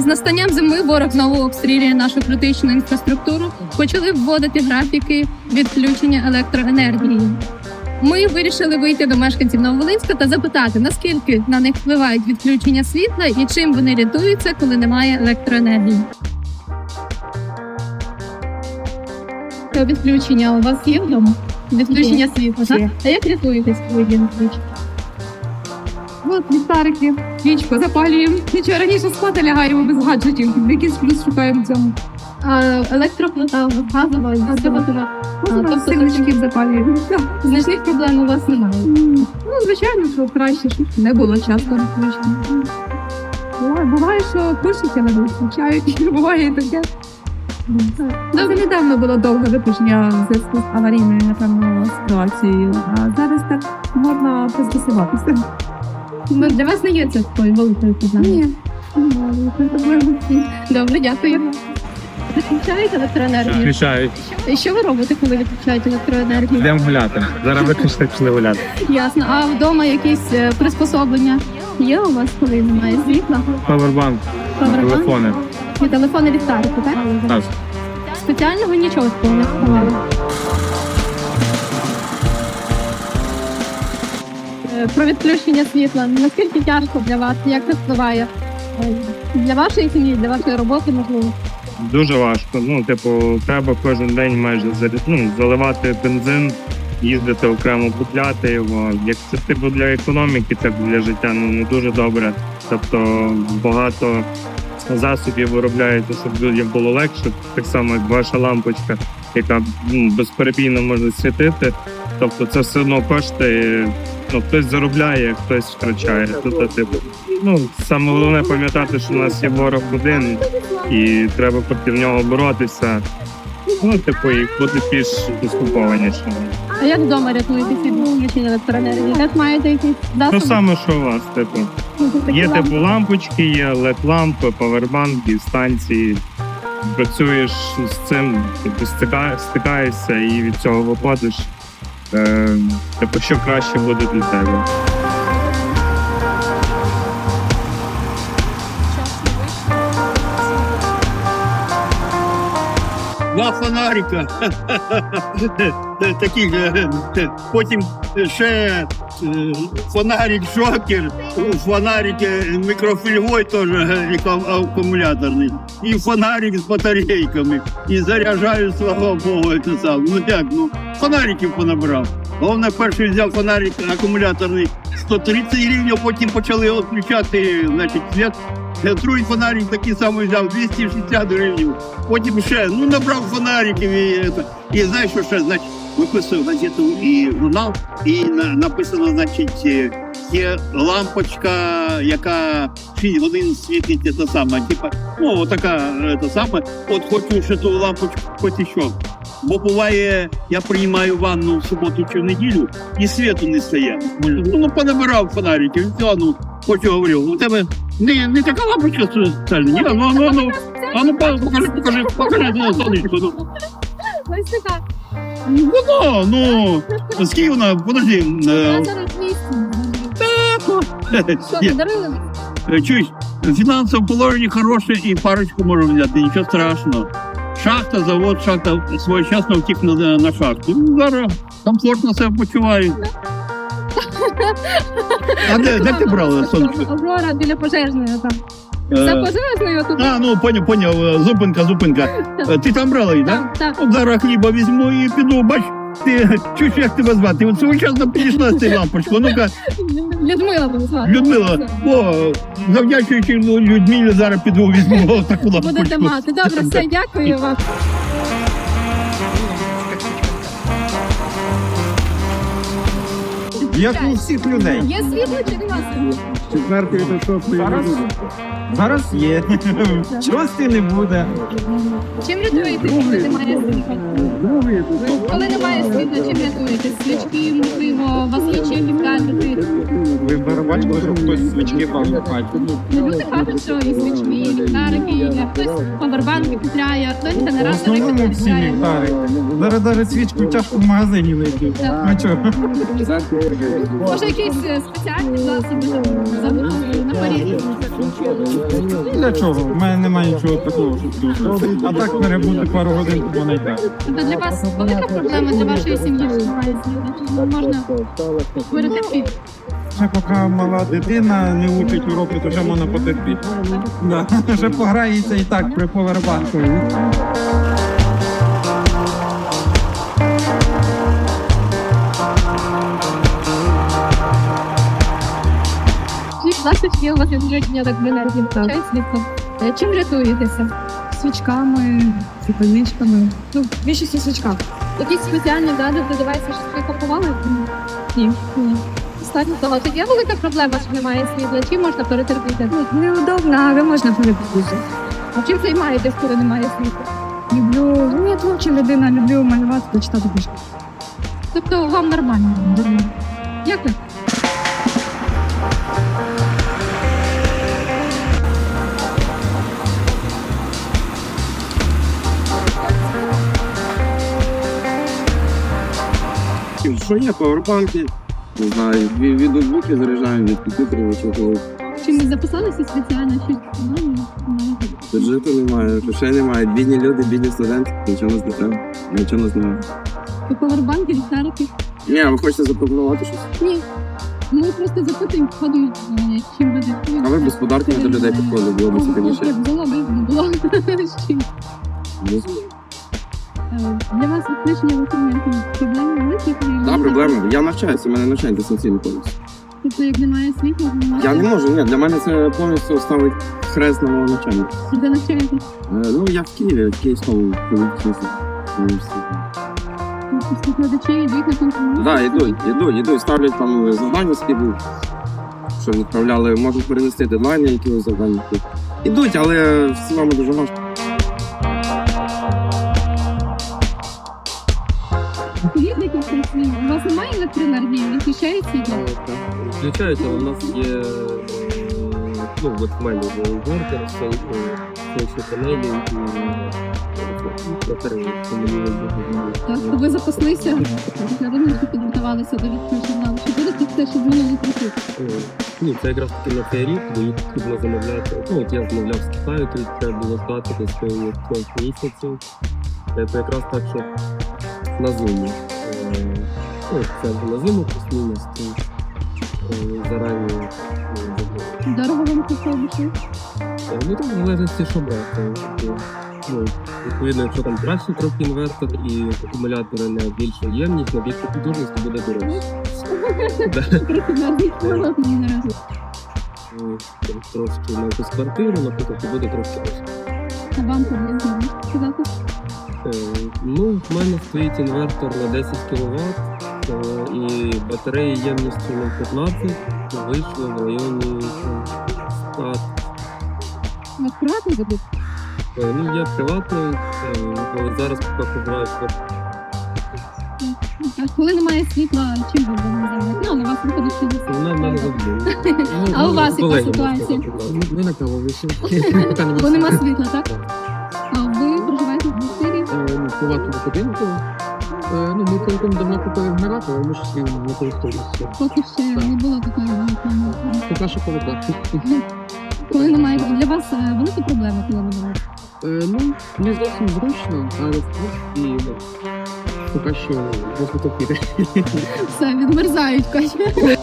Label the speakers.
Speaker 1: настанням зими ворог знову обстрілює нашу критичну інфраструктуру. Почали вводити графіки відключення електроенергії. Ми вирішили вийти до мешканців Нововолинська та запитати, наскільки на них впливають відключення світла і чим вони рятуються, коли немає електроенергії. Це відключення у вас є вдома? Відключення світла, так? А як рятуєтесь, коли є відключення?
Speaker 2: От ліхтарики, свічку запалюємо. Нічого, раніше спати лягаємо без гаджетів. Якийсь плюс шукаємо в цьому.
Speaker 1: А електроплита, газова, тобто
Speaker 2: Силочки запалюємо.
Speaker 1: значних проблем у вас немає?
Speaker 2: Ну, звичайно, що краще, щоб не було часто відключення. Буває, що пишуть, але не вистачають. Буває і таке. Дуже недавно було довге виключення в зв'язку з аварійною, напевно, ситуацією. А зараз так можна пристосуватися.
Speaker 1: Ну, для вас не є це такою великою проблемою?
Speaker 2: Ні.
Speaker 1: Добре, дякую. Відключаєте електроенергію?
Speaker 3: Включають.
Speaker 1: І що ви робите, коли відключаєте електроенергію?
Speaker 3: Йдемо гуляти. Зараз виключно пішли гуляти.
Speaker 1: Ясно. А вдома якісь приспособлення є у вас, коли немає світла?
Speaker 3: Павербанк,
Speaker 1: Павербанк?
Speaker 3: телефони.
Speaker 1: І телефони ліхтарики, так?
Speaker 3: Так.
Speaker 1: Спеціального нічого такого не сховали? Про відключення світла. Наскільки тяжко для вас? Як це впливає? Для вашої сім'ї, для вашої роботи, можливо?
Speaker 3: Дуже важко. Ну, типу, треба кожен день майже заливати бензин, їздити окремо купляти його. Як це типу для економіки, це для життя не дуже добре. Тобто багато засобів виробляється, щоб людям було легше. Так само, як ваша лампочка, яка безперебійно може світити. Тобто це все одно коштує. Ну, хтось заробляє, хтось втрачає. Тут, типу, саме головне пам'ятати, що у нас є ворог один, і треба проти нього боротися. Ну, типу, і бути більш поступованішим.
Speaker 1: А як вдома рятуєтесь від відключення електроенергії? Як маєте якісь засоби?
Speaker 3: Ну, саме, що у вас, типу. Є типу лампочки, є LED-лампи, павербанки, станції. Працюєш з цим, типу, стикаєшся і від цього виходиш. Типу, що краще буде для тебе.
Speaker 4: Два фонарика, таких, потім ще фонарик Джокер, фонарик мікрофільговий теж акумуляторний, і фонарик з батарейками, і заряджаю, слава Богу, це сам. Фонариків понабрав. Головне, перший взяв фонарик акумуляторний 130 гривень, а потім почали відключати, значить, світ. Другий фонарик такий самий взяв 260 гривень. Потім ще, набрав фонариків і знаєш, що ще, значить, виписую газету і журнал, і написано, значить, є лампочка, яка 6 годин світить, це саме, типа, така, це саме, от хочу ще ту лампочку, хоч і що. Бо буває, я приймаю ванну в суботу чи в неділю, і світу не стає. Понабирав фонариків, і все, хочу говорю, у тебе не така лампочка спеціальна, ні? Покажи на сонечко.
Speaker 1: Ось така.
Speaker 4: Скільки вона, подожди.
Speaker 1: Вона зараз 200. Що, подарили?
Speaker 4: Чуєш, в фінансовому положенні хороше і парочку можу взяти, нічого страшного. Шахта, завод, шахта своєчасно втік на шахту. Зараз комфортно себе почуваю. А де ти брала сонечко?
Speaker 1: Аврора біля пожежної там. За пожежною тут.
Speaker 4: Поняв, зупинка. Ти там брала її, так?
Speaker 1: Так.
Speaker 4: От зараз хліба візьму і піду, бач, ти чуєш, як тебе звати? От своєчасно підійшла з цією лампочкою. Ну-ка.
Speaker 1: Людмила буду звати.
Speaker 4: Людмила, завдячуючи Людмилі, зараз піду візьму таку лампочку.
Speaker 1: Будете мати. Добре, все, дякую вам.
Speaker 5: Як у всіх людей.
Speaker 1: Є світло чи нема світла?
Speaker 5: Четвертої до шостої. Зараз є. Шостої не буде.
Speaker 1: Чим рятуєтесь, коли немає світла? Коли немає світла, чим рятуєтесь? Свічки, можливо, у вас є чим гаджети?
Speaker 5: Ви бачите, що хтось свічки палить.
Speaker 1: Люди кажуть, що і свічки, і ліхтарики, і хтось павербанки купляє, хтось
Speaker 5: В
Speaker 1: генератори
Speaker 5: основному всі
Speaker 1: купляє.
Speaker 5: ліхтари. Зараз навіть свічку тяжко в магазині знайти.
Speaker 1: Так.
Speaker 5: Ну чого?
Speaker 1: Може, якісь спеціальні засоби, забудові, на Парижі?
Speaker 5: Для чого? У мене немає нічого такого, щоб тут. А так перебути пару годин, то вона й так.
Speaker 1: Тобто для вас велика проблема для вашої сім'ї, що немає світла? Чи можна перетерпіти?
Speaker 5: Ще поки мала дитина не учить уроки, то вже можна потерпіти. Да. Вже пограється і так при повербанку.
Speaker 1: Будь ласка, чи є у вас відключення електроенергії? Включають світло? Чим рятуєтеся?
Speaker 2: Свічками, запальничками. Ну, в більшості свічках.
Speaker 1: Якісь спеціальні гаджети, девайси, що ви купували? Ні. Достатньо того. Тут є велика проблема, що немає світла. Чим можна перетерпіти?
Speaker 2: Неудобно, але можна перебути.
Speaker 1: А чим займаєтесь, коли немає світла?
Speaker 2: Люблю, ну я творча людина, люблю малювати та читати книжки.
Speaker 1: Тобто вам нормально? Дякую.
Speaker 6: Що є, павербанки, не знаю, від ноутбуків заряджаємо, від комп'ютерів, чого.
Speaker 1: Чи не записалися спеціально? Чи
Speaker 6: Бюджету немає, грошей немає, бідні люди, бідні студенти, нічого нас не треба, нічого нас немає.
Speaker 1: ви повербанки, ліхтарики?
Speaker 6: Ні, а ви хочете запропонувати щось?
Speaker 1: Ні. Ми просто запитуємо, ходимо, чим буде.
Speaker 6: А ви без подарків до людей підходили, було б цікавіше.
Speaker 1: Було б, було. З чим? Для вас відключення електроенергії проблеми великі?
Speaker 6: Так, проблема. Я навчаюся, у мене навчання дистанційно повністю.
Speaker 1: Тобто, як немає світла, ви
Speaker 6: Я не можу, ні, для мене це повністю ставить хрест на моєму навчанні.
Speaker 1: де навчаєтесь?
Speaker 6: Ну, я в Києві, в Київському університеті.
Speaker 1: Викладачі йдуть на контроль?
Speaker 6: Так, йдуть, ставлять там завдання скидуть, що відправляли, можуть перенести дедлайни, якісь завдання. Ідуть, але в цілому дуже важко.
Speaker 1: Скажіть декілька слів. У вас немає електроенергії? Відключають світло?
Speaker 7: Включають, але у нас є от в мене є інвертор, сонячні панелі і батареї, тому мені не
Speaker 1: Так, то ви запаслися, для ринку підготувалися до відключення. Чи будете те, що змінили трохи?
Speaker 7: Ні, це якраз таки на цей рік, бо їх потрібно замовляти. Ну, от я замовляв з Китаю, тут треба було здати десь 5 місяців. Це якраз так, що на зиму. Це на зиму плюс-мінус, зарані
Speaker 1: Дорого вам це обійшло?
Speaker 7: Ну, там в залежності, що брати. Ну, відповідно, якщо там кращий трохи інвертор і акумулятори на більшу ємність, на більшу потужність, то буде дорожче.
Speaker 1: Трохи навіть холодно не разу.
Speaker 7: Трошки на якусь квартиру, наприклад, то буде трошки дорожче.
Speaker 1: А вам приблизно можете сказати?
Speaker 7: Ну, в мене стоїть інвертор на 10 кВт і батареї ємністю на 15, вийшло в районі 100.
Speaker 1: У вас приватний будуть?
Speaker 7: Ну, є приватний, але зараз поки проживаю.
Speaker 1: А коли немає світла, чим ви будемо займати? Ну, на вас виходить, що десь.
Speaker 7: У мене завжди.
Speaker 1: А у вас яка ситуація?
Speaker 7: Ми на каву вийшли.
Speaker 1: Бо нема світла, так? А ви проживаєте в квартирі?
Speaker 7: Ну, в приватному будинку. Ну, ми цілком давно купили генератор, але ми ж з ним не користуємося.
Speaker 1: Поки ще не було такої вагітної.
Speaker 7: Поки що повикладку.
Speaker 1: Коли немає, для вас велика проблема, коли немає?
Speaker 7: Ну, не зовсім зручно, але в принципі, поки що розвиток піде.
Speaker 1: Все, відмерзають, Катя.